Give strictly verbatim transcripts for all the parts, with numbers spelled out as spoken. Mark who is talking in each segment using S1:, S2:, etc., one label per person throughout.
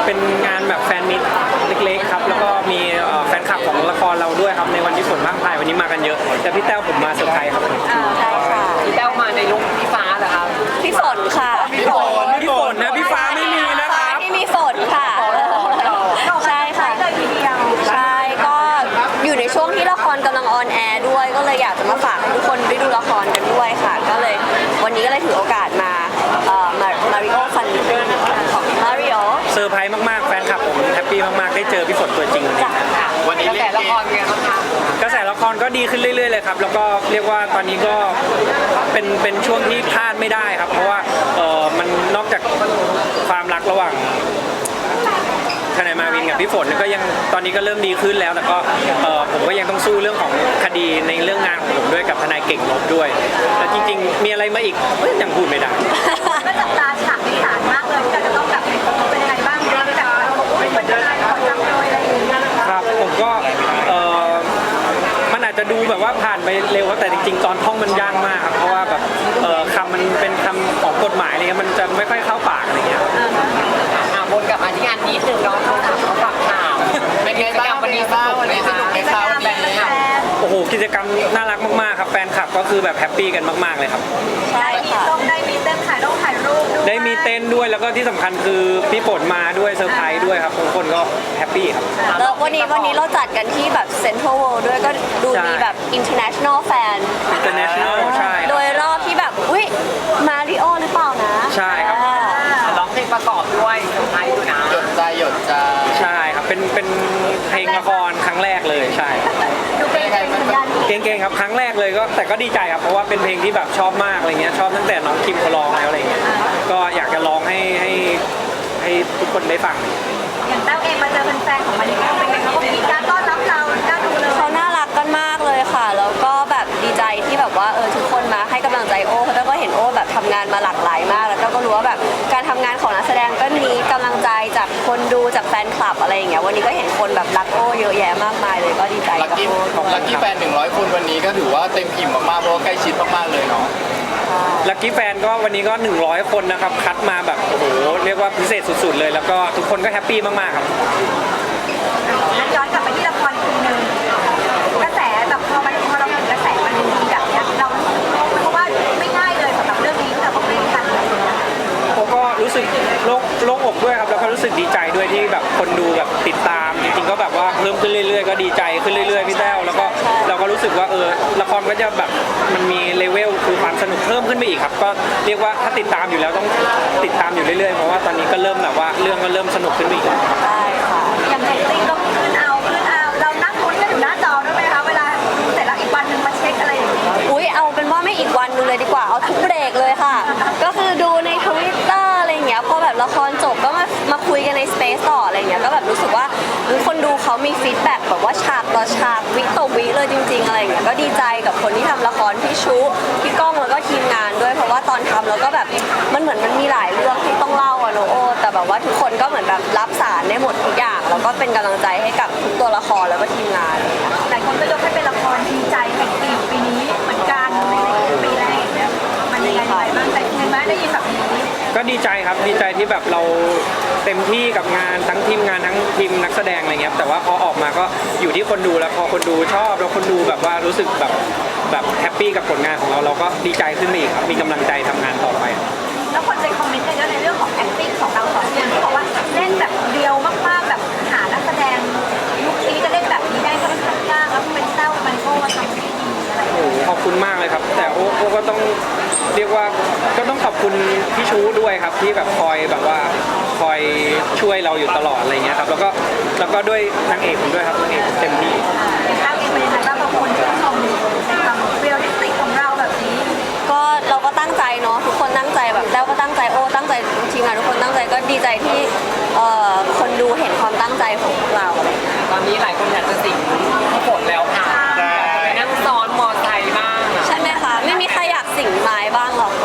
S1: เป็นงานแบบแฟนมิตเล็กๆครับแล้วก็มีแฟนคลับของละครเราด้วยครับในวันที่ฝนมากพายวันนี้มากันเยอะแต่พี่แต้วผมมาเซอร์ไพรส์ครับ
S2: ใช่ค่ะ
S3: พี่แต้วมาในลุคพี่ฟ้าเหรอครับ
S2: พี่ฝนค่ะ
S1: พี่ฝนพี่ฝนนะพี่ฟ้าไม่มีนะครับ
S2: ที่มีฝนค่ะใช่ค่ะใช่ก็อยู่ในช่วงที่ละครกำลังออนแอร์ด้วยก็เลยอยากจะมาฝากให้ทุกคนได้ดูละครกันด้วยค่ะก็เลยวันนี้ก็เลยถือโอกาสมาเอ่อมามาริโอฟันของมาริโอ
S1: เซอร์ไพรส์มากๆแฟนคลับผมแฮปปี้มากๆได้เจอพี่ฝนตัวจริงวันนี้
S3: วันนี้กระแสละครเป็นไงบ้างคะ
S1: กระแสละครก็ดีขึ้นเรื่อยๆเลยครับแล้วก็เรียกว่าตอนนี้ก็เป็นเป็นช่วงที่พลาดไม่ได้ครับเพราะว่าเออมันนอกจากความรักระหว่างทนายมาวินกับพี่ฝนก็ยังตอนนี้ก็เริ่มดีขึ้นแล้วแต่ก็เออผมก็ยังต้องสู้เรื่องของคดีในเรื่องงานของผมด้วยกับทนายเก่งลบด้วยแต่จริงๆมีอะไรมาอีกยังพูดไม่ได้
S4: ก็จับตาฉากที่ศาลมากเลยแต่จะต้องแบบเป็นยังไงบ้างเรื่องแบบเป็นทนายขอจำเลยอะไรอย่างเงี้ย
S1: ครับผมก็เออมันอาจจะดูแบบว่าผ่านไปเร็วแต่จริงๆตอนท่องมันยากมากครับเพราะว่าแบบเออคำมันเป็นคำของกฎหมายอะไรเงี้ยมันจะไม่ค่อยเข้าปากอะไรเงี้ย
S3: วนกลับมาที่งานนี้หนึ่งเนาะเขาถามเขาฝากถามเป็นไงบ้างวันนี้สนุกไหมคะในคราวนี้
S1: โอ้โหกิจกรรมน่ารักมากๆครับแฟนคลับก็คือแบบแฮปปี้กันมากๆเลยครับ
S4: ใช่ค่ะได้มีเต้นถ่ายรูปถ่ายรูปด้วย
S1: ได้มีเต้นด้วยแล้วก็ที่สำคัญคือพี่ฝนมาด้วยเซอร์ไพรส์ด้วยครับทุกคนก็แฮปปี้ครับ
S2: แล้ววันนี้วันนี้เราจัดกันที่แบบเซ็นทรัลเวิลด์ด้วยก็ดูมีแบบ international fan
S1: international ใช่
S2: โดยรอบที่แบบอุ้ยมาริโอหรือเปล่านะ
S1: ใช่ครับ
S3: ร้องเพลงประกอบด้วยเซอร์ไพรส์อยู่นะ
S5: หยดใจหยดใจ
S1: ใช่ครับเป็นเป็นเพลงละครครั้งแรกเลยใช่
S4: ดูเป็นไงมัน
S1: เก่งๆครับครั้งแรกเลยก็แต่ก็ดีใจครับเพราะว่าเป็นเพลงที่แบบชอบมากอะไรเงี้ยชอบตั้งแต่น้องคิมเขาร้องแล้วอะไรเงี้ยก็อยากจะร้องให้ให้ให้ทุกคนได้ฟัง
S4: อย่างแต้วเองมาเจอแฟนๆของมาริโอเป็นไงเขาก็มีการต้อนรับเราน่าดูเลย
S2: เขาน่ารักกันมากเลยค่ะแล้วก็แบบดีใจที่แบบว่าเออทุกคนมาให้กำลังใจโอ้เพราะแล้วก็เห็นโอ้แบบทำงานมาหลากหลายมากแล้วก็รู้ว่าแบบการทำงานของนักแสดงก็มีกำลังใจจากคนดูจากแฟนคลับอะไรอย่างเงี้ยวันนี้ก็เห็นคนแบบรักโอ้เยอะแยะมากมายเลยก็ดีใจ
S5: กับโอ้ของลักกี้แฟนหนึ่งร้อยคนวันนี้ก็ถือว่าเต็มอิ่มมากๆเพราะว่าใกล้ชิดมากๆเลยเนาะ
S1: ลักกี้แฟนก็วันนี้ก็หนึ่งร้อยคนนะครับคัดมาแบบโอ้โหเรียกว่าพิเศษสุดๆเลยแล้วก็ทุกคนก็แฮปปี้มากๆครับ
S4: ย้อนกลับไปที่ละครอีกทีนึงกระแสแบบพอมันพอเราเห็นกระแสมันดีแบบนี้เราเพราะว่าไม่ง่ายเลยสำหรับเรื่องนี้ที่เราต้องเล่นกัน
S1: ผมก็รู้สึกโล่งโล่งอกด้วยครับแล้วก็รู้สึกดีใจด้วยที่แบบคนดูแบบติดตามจริงๆก็แบบว่าเพิ่มขึ้นเรื่อยๆก็ดีใจขึ้นเรื่อยๆพี่แต้วแล้วก็เราก็รู้สึกว่าเออละครก็จะแบบมันมีเลเวลคือความสนุกเพิ่มขึ้นไปอีกครับก็เรียกว่าถ้าติดตามอยู่แล้วต้องติดตามอยู่เรื่อยๆเพราะว่าตอนนี้ก็เริ่มแบบว่าเรื่องก็เริ่มสนุกขึ้นอีก
S2: ใช่ค่ะ
S4: อย่างเรตติ้งก็ขึ้นเอาขึ้นเอาเรานั่งลุ้นกันอยู่หน้าจอด้วยไหมคะเวลาเสร็จแล้วอีกวันนึงมาเช็คอะไรอย่างเงี้ย
S2: อุ้ยเอาเป็นว่าไม่อีกวันนึงเลยดีกว่าเอาทุกเบรกเลยค่ะก็คือดูใน ทวิตเตอร์ อะไรอย่างเงี้ยพอแบบละครจบก็มามาคุยกันในสเปซต่ออะไรอย่างเงี้ยก็แบบรู้สึกว่าคนดูเขามีฟีดแบ็กแบบว่าฉากต่อฉากวิต่อวิเลยจริงๆอะไรอย่างเงี้ยก็ดีใจกับคนที่ทำละครพี่ชุพี่ก้องแล้วก็ทีมงานด้วยเพราะว่าตอนทำแล้วก็แบบมันเหมือนมันมีหลายเรื่องที่ต้องเล่าอะโนโอแต่แบบว่าทุกคนก็เหมือนแบบรับสารได้หมดทุกอย่างแล้วก็เป็นกำลังใจให้กับทุกตัวละครแล้วก็ทีมงาน
S4: หลายคนก็ยกให้เป็นละครดีใจแห่งปีปีนี้เหมือนกันในปีแรกเนี่ยมันยังไงบ้างแต่เห็นไหมได้ยินแบบนี้
S1: ก็ดีใจครับดีใจที่แบบเราเต็มที่กับงานทั้งทีมงานทั้งทีมนักแสดงอะไรเงี้ยแต่ว่าพอออกมาก็อยู่ที่คนดูแล้วพอคนดูชอบแล้วคนดูแบบว่ารู้สึกแบบแบบแฮปปี้กับผลงานของเราเราก็ดีใจขึ้นไปอีกครับมีกำลังใจทำงานต่อไป
S4: แล้วคนไปคอมเมนต์เยอะในเรื่องของ acting ของเราสองคนที่บอกว่าเล่นแบบเดียวมากๆแบบหานักแสดงยุคนี้จะเล่นแบบนี้ได้ก็ค่อนข้างยากแล้วเป็นเต้ามันโก้มาทำได้ดีอะไรโอ้
S1: ขอบคุณมากเลยครับแต่โอ้โอ้ก็ต้องเรียกว่าก็ต้องขอบคุณพี่ชูด้วยครับที่แบบคอยแบบว่าคอยช่วยเราอยู่ตลอดอะไรเงี้ยครับแล้วก็แล้วก็ด้วยนางเอกผมด้วยครับนางเอกเต็มที่
S4: เป็นนางเอกเป็นยังไงบ้างบางคนชื่นชมในความเรียลลิสติกของเราแบบนี้
S2: ก็เราก็ตั้งใจเนาะทุกคนตั้งใจแบบแล้วก็ตั้งใจโอ้ตั้งใจทีมงานทุกคนตั้งใจก็ดีใจที่คนดูเห็นความตั้งใจของพวกเรา
S3: ตอนนี้หลายคนอยากจะสิงพี่ฝนแล้วค่ะไปนั่งซ้อนมอไซค์บ้าง
S2: ใช่ไหมคะไม่มีใครอยากสิงไม้บ้างหรอก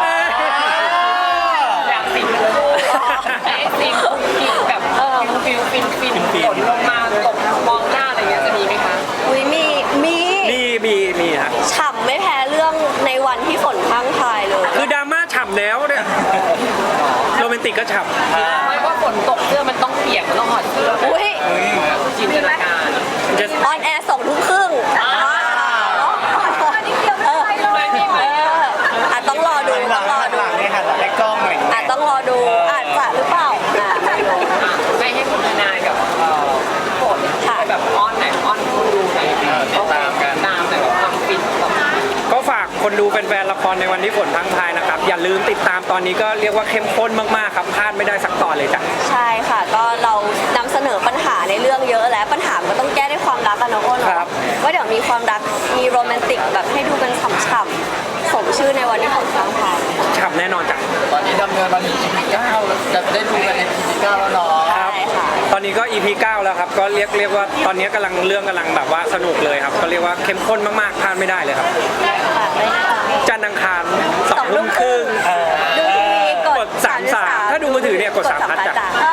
S3: อยากสิงเลยไอ้สิงกินแบบเออฟิลฟินฟินฝนลงมาตกมองหน้าอะไรเงี้ยจะมีไหมคะ
S2: อุ้ยมีมี
S1: มีมีมีฮะ
S2: ฉ่ำไม่แพ้เรื่องในวันที่ฝนพังทายเลย
S1: คือดราม่าฉ่ำแล้วเนี่ยโรแมนติกก็ฉ่ำ
S3: ไม่ว่าฝนฝนตกเสื้อมันต้องเปียกมันต้องถอดเสื้อ
S2: อุ้ย
S3: จินตนาการ
S1: จะ
S2: ออนแอร์สองทุ่มครึ่ง
S4: อันนี้เดียวไม่ได้เลย
S3: ไม่มีไหม
S2: เอออาจต้องรอดูต้องรอดู
S5: หลังเนี่ยค่ะหลังกล้องหน่อย
S2: อาจต้องรอดูอาจจะหรือเปล่าอ่ะไม่รู้
S3: อ่ะไม่ให้คุณทนายกับเอ่อฝน
S2: ค่ะ
S3: แบบอ้อนไหนอ้อนคนดูไหน
S5: ติดตามกัน
S3: ตามแต่แบบความฟินแบบ
S1: ก็ฝากคนดูแฟนๆละครในวันที่ฝนพังพายนะครับอย่าลืมติดตามตอนนี้ก็เรียกว่าเข้มข้นมากๆครับพลาดไม่ได้สักตอนเลยจ้ะ
S2: ใช่ค่ะ ก็เรานำเสนอปัญหาในเรื่องเยอะแล้วปัญหามันก็ต้องแก้ด้วยความรักกันเนอะโอ้เน
S1: ครั
S2: อะ
S1: บ
S2: ว่าเดี๋ยวมีความรักมีโรแมนติกแบบให้ดูกันฉ่ำๆสมชื่อในวันที่ฝนพังพาย
S1: ฉ่ำแน่นอนจ้ะ
S5: ตอนนี้ดำเนินมาถึง อี พี เก้าแล้วจะได้ดูกันใน อี พี เก้าแล้วเนาะ
S2: ใช่ค่ะ
S1: ตอนนี้ก็ อี พี เก้าแล้วครับก็เรียกเรียกว่าตอนนี้กำลังเรื่องกำลังแบบว่าสนุกเลยครับก็เรียกว่าเข้มข้นมากๆพลาดไม่ได้เลยครับ
S2: ฝากเลยค่ะ
S1: จันทร์อังคารสองทุ่มครึ่ง
S2: ดูทีวีก
S1: ก
S2: ด
S1: ดสามสามถ้าดูมือถือเนี่ยกดสามพัดจ้ะ
S2: เอ